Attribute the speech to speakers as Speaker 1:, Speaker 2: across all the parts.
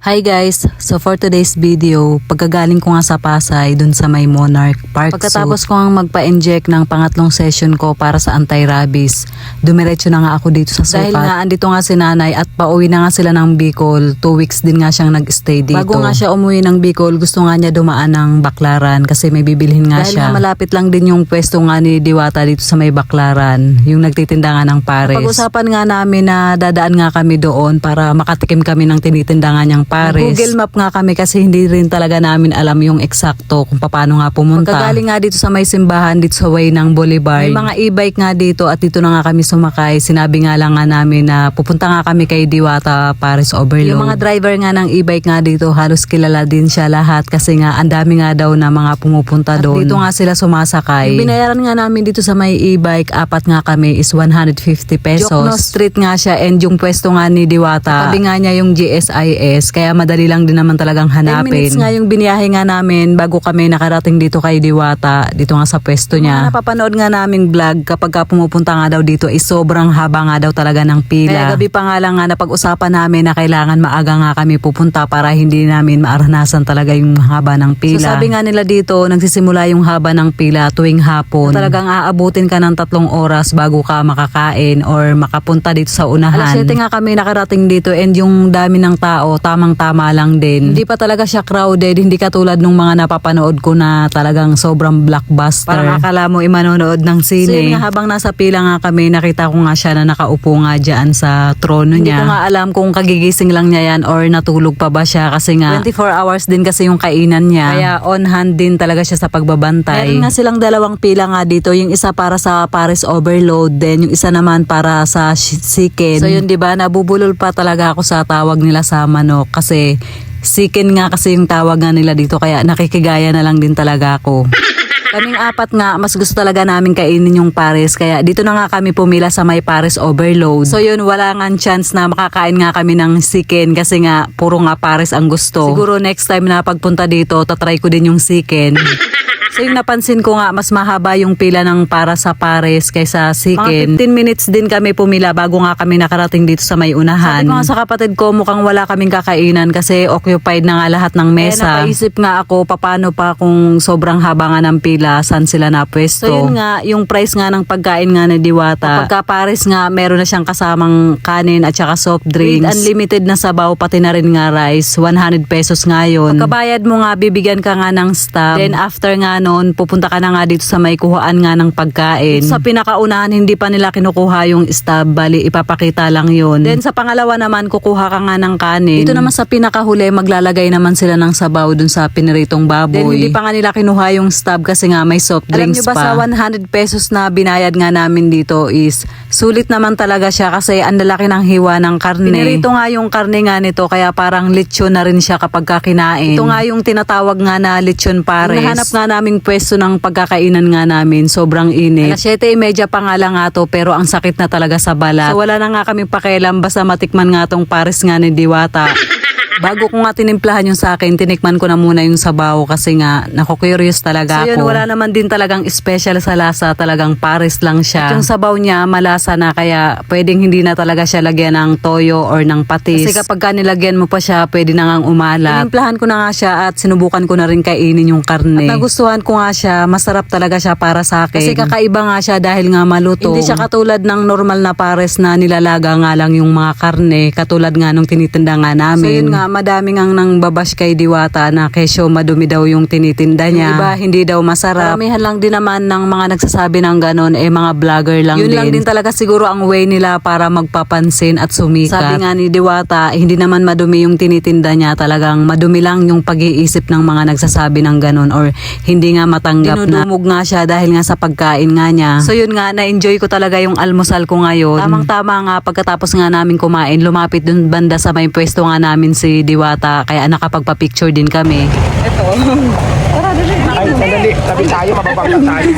Speaker 1: Hi guys! So for today's video, pagkagaling ko nga sa Pasay dun sa may Monarch Park pagkatapos ko nga magpa-inject ng pangatlong session ko para sa anti-rabies, dumiretso na nga ako dito sa sukat. Dahil nga andito nga si nanay at pauwi na nga sila ng Bicol, 2 weeks din nga siyang nag-stay dito. Bago nga siya umuwi ng Bicol, gusto nga niya dumaan ng Baclaran kasi may bibilhin nga siya. Dahil nga malapit lang din yung pwesto nga ni Diwata dito sa may Baclaran, yung nagtitinda nga ng pares. Pag-usapan nga namin na dadaan nga kami doon para makatikim kami ng tinitinda nga niyang pares. Google Map nga kami kasi hindi rin talaga namin alam yung eksakto kung paano nga pumunta. Pagkagaling nga dito sa may simbahan dito sa way ng Bolivar, may mga e-bike nga dito at dito na nga kami sumakay. Sinabi nga lang nga namin na pupunta nga kami kay Diwata Pares Overload. Yung mga driver nga ng e-bike nga dito halos kilala din siya lahat kasi nga ang dami nga daw na mga pumupunta doon. Dito nga sila sumasakay. Yung binayaran nga namin dito sa may e-bike, apat nga kami is 150 pesos. Jokno Street nga siya and yung pwesto nga ni Diwata, tabi nga niya yung GSIS kaya madali lang din naman talagang hanapin. 10 minutes nga yung biniyahe nga namin bago kami nakarating dito kay Diwata, dito nga sa pwesto niya. Napapanood nga naming vlog kapag ka pumupunta nga daw dito is sobrang haba nga daw talaga ng pila. Kaya gabi pa nga lang nga napag-usapan namin na kailangan maaga nga kami pupunta para hindi namin maaranasan talaga yung haba ng pila. So sabi nga nila dito, nagsisimula yung haba ng pila tuwing hapon. So, talagang aabutin ka ng 3 oras bago ka makakain or makapunta dito sa unahan. Alas 7 nga kami nakarating dito and yung dami ng tao, tamang-tama lang din. Hindi pa talaga siya crowded, hindi katulad nung mga napapanood ko na talagang sobrang blockbuster. Parang akala mo manonood ng sine. So yun nga, habang nasa pila nga kami, nakita ko nga siya na nakaupo nga dyan sa trono niya. Hindi ko nga alam kung kagigising lang niya yan or natulog pa ba siya kasi nga 24 hours din kasi yung kainan niya. Kaya on hand din talaga siya sa pagbabantay. Meron nga silang dalawang pila nga dito, yung isa para sa Pares Overload, then yung isa naman para sa chicken. So yun, 'di ba, nabubulol pa talaga ako sa tawag nila sa manok kasi chicken nga kasi yung tawag nga nila dito kaya nakikigaya na lang din talaga ako. Kaming apat nga, mas gusto talaga namin kainin yung pares kaya dito na nga kami pumila sa may Pares Overload. So yun, wala nga chance na makakain nga kami ng chicken kasi nga puro nga pares ang gusto. Siguro next time na pagpunta dito, tatry ko din yung chicken. So yung napansin ko nga, mas mahaba yung pila ng para sa pares kaysa chicken. Mga 15 minutes din kami pumila bago nga kami nakarating dito sa may unahan. Sabi ko nga sa kapatid ko, mukhang wala kaming kakainan kasi occupied na nga lahat ng mesa. Napaisip nga ako, paano pa kung sobrang haba nga ng pila, saan sila napwesto. So yun nga, yung price nga ng pagkain nga ni Diwata. Pagka pares nga, meron na siyang kasamang kanin at saka soft drinks. With unlimited na sabaw, pati na rin nga rice. 100 pesos nga yun. Pagkabayad mo nga, bibigyan ka nga ng stab. Then after nga noon, pupunta ka na nga dito sa may kuhaan nga ng pagkain. Sa pinakaunahan, hindi pa nila kinukuha yung stab, bali ipapakita lang yun. Then sa pangalawa naman, kukuha ka nga ng kanin. Dito naman sa pinakahuli, maglalagay naman sila ng sabaw dun sa piniritong baboy. Then hindi pa nga nila kinuha yung stab kasi nga may soft drinks pa. Alam nyo ba sa 100 pesos na binayad nga namin dito is sulit naman talaga siya kasi ang lalaki ng hiwa ng karne. Pinirito nga yung karne nga nito kaya parang lechon na rin siya kapag kinain. Ito nga yung tinatawag nga na lechon pares. Nahanap nga naming pwesto ng pagkakainan nga namin, sobrang init. Alas 7:30 pa nga lang nga to pero ang sakit na talaga sa balat. So wala na nga kami pakialam basta matikman nga tong pares nga ni Diwata. Bago ko nga tinimplahan yung sa akin, tinikman ko na muna yung sabaw kasi nga naku-curious talaga ako. So yun, wala naman din talagang special sa lasa, talagang pares lang siya. At yung sabaw niya malasa na kaya pwedeng hindi na talaga siya lagyan ng toyo or ng patis. Kasi kapag ka nilagyan mo pa siya, pwede na ngang umalat. Tinimplahan ko na nga siya at sinubukan ko na rin kainin yung karne. At nagustuhan ko nga siya, masarap talaga siya para sa akin. Kasi kakaiba nga siya dahil nga malutong. Hindi siya katulad ng normal na pares na nilalaga nga lang yung mga karne, katulad nga nung tinitinda nga namin. So yun nga, madami ngang nang babash kay Diwata na kesyo madumi daw yung tinitinda niya. Yung iba hindi daw masarap. Karamihan lang din naman ng mga nagsasabi ng ganon mga vlogger lang yun din. Yun lang din talaga siguro ang way nila para magpapansin at sumikat. Sabi nga ni Diwata, hindi naman madumi yung tinitinda niya, talagang madumi lang yung pag-iisip ng mga nagsasabi ng ganon or hindi nga matanggap na. Dinudumog nga siya dahil nga sa pagkain nga niya. So yun nga, na-enjoy ko talaga yung almusal ko ngayon. Tamang-tama nga pagkatapos nga namin kumain, lumapit dun banda sa may pwesto nga namin si Diwata kaya nakapagpa-picture din kami.
Speaker 2: Ito. Tara, dali. Ay, sandali. Tabi tayo, mababangga tayo.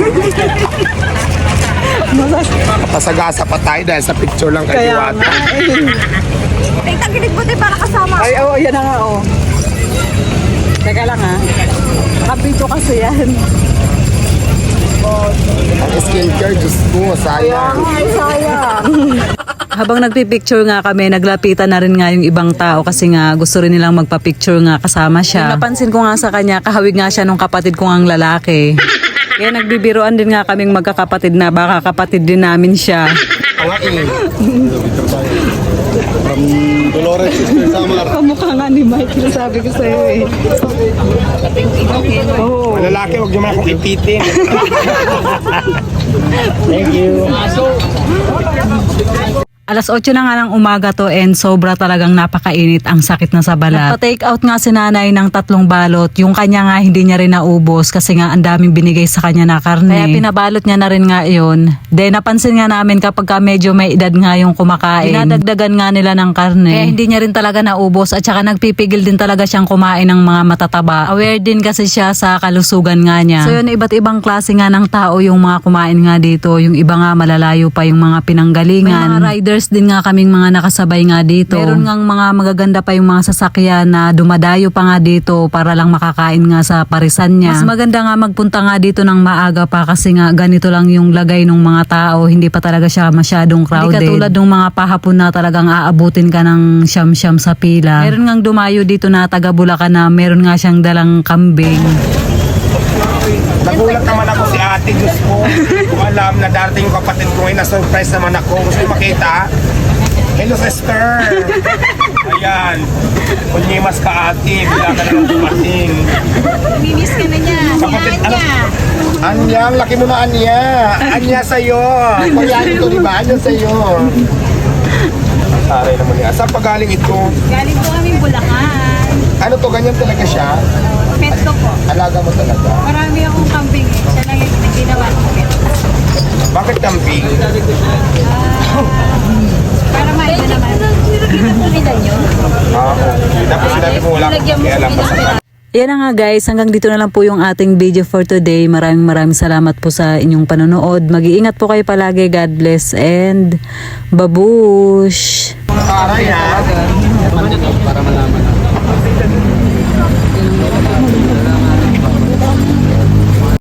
Speaker 2: Pasagasa pa tayo dahil sa picture lang kay Diwata.
Speaker 3: Ay, tagilid mo tayo para kasama.
Speaker 2: Ay, oo, yan na nga, oo. Teka lang, ha. Kapito kasi yan.
Speaker 3: Oh,
Speaker 2: Ang skincare, Diyos ko, sayang.
Speaker 3: ay, sayang.
Speaker 1: Habang nagpipicture nga kami, naglapitan na rin nga yung ibang tao kasi nga gusto rin nilang magpa-picture nga kasama siya. Yung napansin ko nga sa kanya, kahawig nga siya nung kapatid ko ngang lalaki. Kaya nagbibiroan din nga kaming magkakapatid na baka kapatid din namin siya.
Speaker 4: Dolores Sister Samar.
Speaker 2: Kamukha nga ni Michael, sabi ko sa'yo eh. Oo.
Speaker 4: Malalaki, huwag niyo man akong ipitin. Thank you.
Speaker 1: Alas 8 na nga ng umaga to and sobra talagang napakainit, ang sakit na sa balat. Nagpa-take out nga si nanay ng 3 balot. Yung kanya nga hindi niya rin naubos kasi nga ang daming binigay sa kanya na karne. Kaya pinabalot niya na rin nga yun. Then napansin nga namin kapag ka medyo may edad nga yung kumakain, dinadagdagan nga nila ng karne. Kaya hindi niya rin talaga naubos at saka nagpipigil din talaga siyang kumain ng mga matataba. Aware din kasi siya sa kalusugan nga niya. So yun, iba't ibang klase nga ng tao yung mga kumain nga dito. Yung iba nga malalayo pa yung mga pinanggalingan. May mga riders din nga kaming mga nakasabay nga dito. Meron ngang mga magaganda pa yung mga sasakyan na dumadayo pa nga dito para lang makakain nga sa parisan niya. Mas maganda nga magpunta nga dito ng maaga pa kasi nga ganito lang yung lagay ng mga tao. Hindi pa talaga siya masyadong crowded. Hindi katulad ng mga pahapon na talagang aabutin ka ng siyam-siyam sa pila. Meron ngang dumayo dito na taga Bulacan na meron nga siyang dalang kambing.
Speaker 4: Nagulat naman ako si ate, Diyos ko. Kung alam na darating yung kapatid ko, ay na-surprise naman ako. Gusto yung makita? Hello, sister! Ayan. Kunyimas ka ate, bila ka na lang dumating.
Speaker 3: Minis ka na niya.
Speaker 4: Kapatid, ano? Anya, ang laki mo na Anya. Anya sa'yo. Pagyanin to, di ba? Anya sa'yo. Aray naman niya. Saan pa galing ito?
Speaker 3: Galing po kami Bulacan.
Speaker 4: Ano to, ganyan talaga siya?
Speaker 3: Pet ko po.
Speaker 4: Alaga mo talaga.
Speaker 3: Marami akong kambing eh. Siya lang yung ginawa kong pet.
Speaker 4: Bakit camping?
Speaker 3: Para maida naman. Kita po nila nyo.
Speaker 4: Okay. Dapat sinabi mo wala akong pakialam pa sa kanila.
Speaker 1: Yan na nga guys, hanggang dito na lang po yung ating video for today. Maraming salamat po sa inyong panonood. Mag-iingat po kayo palagi. God bless and babush!
Speaker 4: Aray ha. Para malaman